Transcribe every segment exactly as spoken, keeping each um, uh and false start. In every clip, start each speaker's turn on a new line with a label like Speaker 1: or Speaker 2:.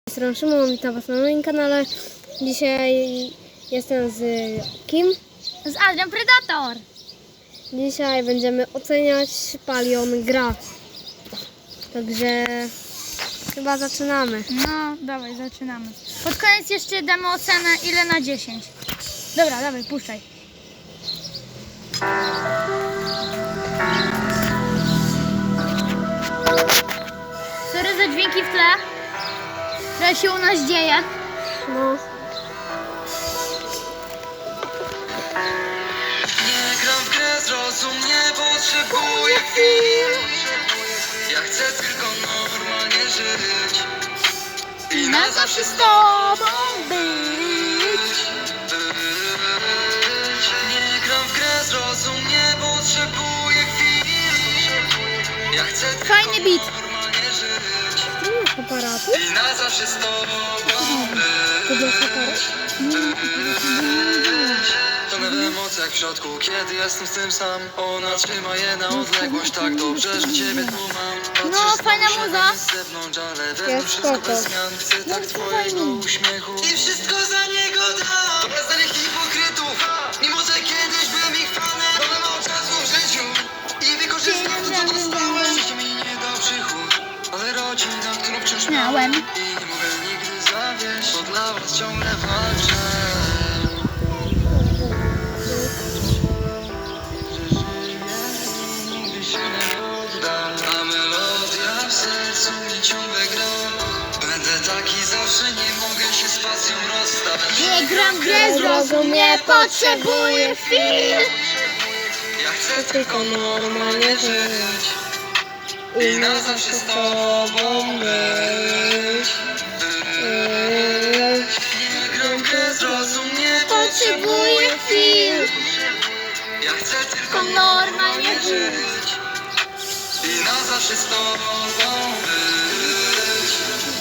Speaker 1: Jestem Szymon, witam Was na moim kanale. Dzisiaj jestem z kim?
Speaker 2: Z Adrian Predator.
Speaker 1: Dzisiaj będziemy oceniać Palion gra. Także chyba zaczynamy.
Speaker 2: No, dawaj, zaczynamy. Pod koniec jeszcze damy ocenę ile na dziesięć. Dobra, dawaj, puszczaj. Sorry za dźwięki w tle. Trochę się u nas dzieje.
Speaker 1: No.
Speaker 3: Nie gram w grę, zrozum, nie potrzebuję chwil. Ja chcę tylko normalnie żyć i na zawsze z tobą być. Nie gram w grę, zrozum, nie potrzebuję chwil. Ja chcę tylko
Speaker 2: Fajny beat.
Speaker 3: normalnie żyć
Speaker 1: Tu jest aparatu?
Speaker 3: i na zawsze z tobą
Speaker 1: Tu
Speaker 3: być.
Speaker 1: jest aparat?
Speaker 3: To w emocjach w środku, kiedy jestem z tym sam. Ona trzyma je na odległość tak dobrze, że ciebie tu mam. Patrzysz
Speaker 2: No, fajna
Speaker 3: na
Speaker 2: muza.
Speaker 3: z zewnątrz, ale
Speaker 1: Jest
Speaker 3: wewnątrz wszystko
Speaker 1: spoko.
Speaker 3: bez zmian. Chcę tak twojego uśmiechu i wszystko za niego dam. To bez danych hipokrytów, mimo że kiedyś byłem ich fanem. Mamy mało czasu w życiu i wykorzystam to, co dostałem. Życie mi nie da przychód, ale rodzina, którą wciąż
Speaker 2: Miałem.
Speaker 3: i nie mogę nigdy zawieść, bo dla was ciągle walczę. Nigdy się nie poddam, a melodia w sercu mi ciągle gra. Będę taki zawsze, nie mogę się z pasją rozstać.
Speaker 2: Nie gram w grę, zrozum, nie potrzebuję chwil.
Speaker 3: Ja chcę tylko normalnie żyć i na zawsze z tobą być. Nie gram w grę, zrozum, nie potrzebuję chwil. Ja chcę tylko normalnie żyć i na zawsze z tobą być.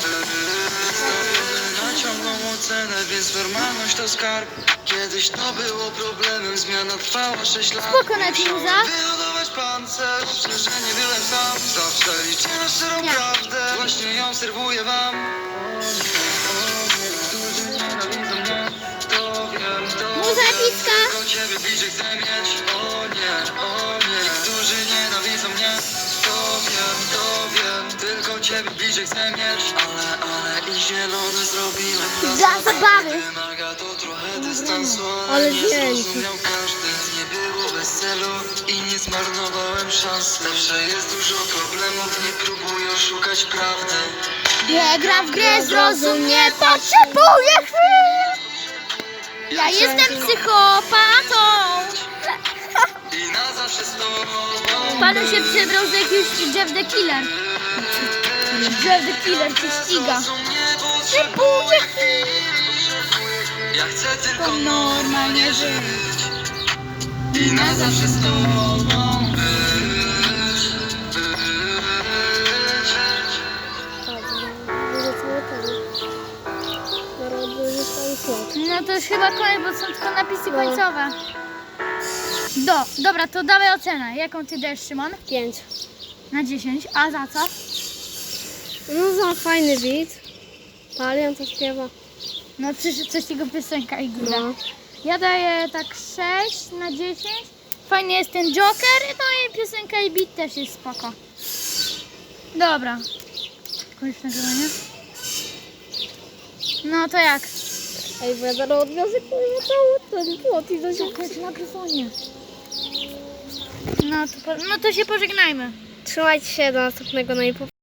Speaker 3: Na ciągłą ocenę, więc normalność to skarb. Kiedyś to było problemem, zmiana trwała sześć lat.
Speaker 2: Spoko, Netmuza.
Speaker 3: Wyhodować pancerz, że nie byłem sam. Zawsze liczę na szczerą prawdę, właśnie ją serwuję wam. Którzy nienawidzą mnie, to wiem, to
Speaker 2: Muza
Speaker 3: wiem.
Speaker 2: epicka.
Speaker 3: Tylko ciebie bliżej chcę mieć, o nie, o nie. Którzy nienawidzą mnie, to wiem, to wiem. Tylko ciebie bliżej chcę mieć, ale, ale i zielone zrobiłem
Speaker 2: Dla zabawy.
Speaker 3: Wymaga to trochę dystansu, ale,
Speaker 1: Ale
Speaker 3: nie
Speaker 1: dzięki.
Speaker 3: zrozumiał każdy. Nie było bez celu i nie zmarnowałem szans. Zawsze jest dużo problemów, nie próbuję szukać prawdy.
Speaker 2: Nie gram w grę, zrozum, nie potrzebuję chwil. Ja jestem psychopatą.
Speaker 3: I na zawsze z tobą.
Speaker 2: Panu się przebrał z jakiegoś Jeff the Killer. Jeff the Killer cię ściga.
Speaker 3: Zrozum, nie potrzebuję chwil. Ja chcę tylko normalnie żyć i na zawsze z tobą być.
Speaker 2: No to już chyba koniec, bo są tylko napisy końcowe. Do, dobra, to dawaj ocenę. Jaką ty dajesz, Szymon?
Speaker 1: Pięć.
Speaker 2: Na dziesięć. A za co?
Speaker 1: No za fajny beat. Palion to śpiewa.
Speaker 2: No przecież coś jego piosenka i góra.
Speaker 1: No.
Speaker 2: Ja daję tak sześć na dziesięć. Fajny jest ten Joker, no i piosenka i beat też jest spoko. Dobra. Koniec nagrywania. No to jak?
Speaker 1: Ej, bo ja zaraz odwiozę cały ten płot i do się...
Speaker 2: Koniec nagrywania. No to, po, no to się pożegnajmy.
Speaker 1: Trzymajcie się do następnego na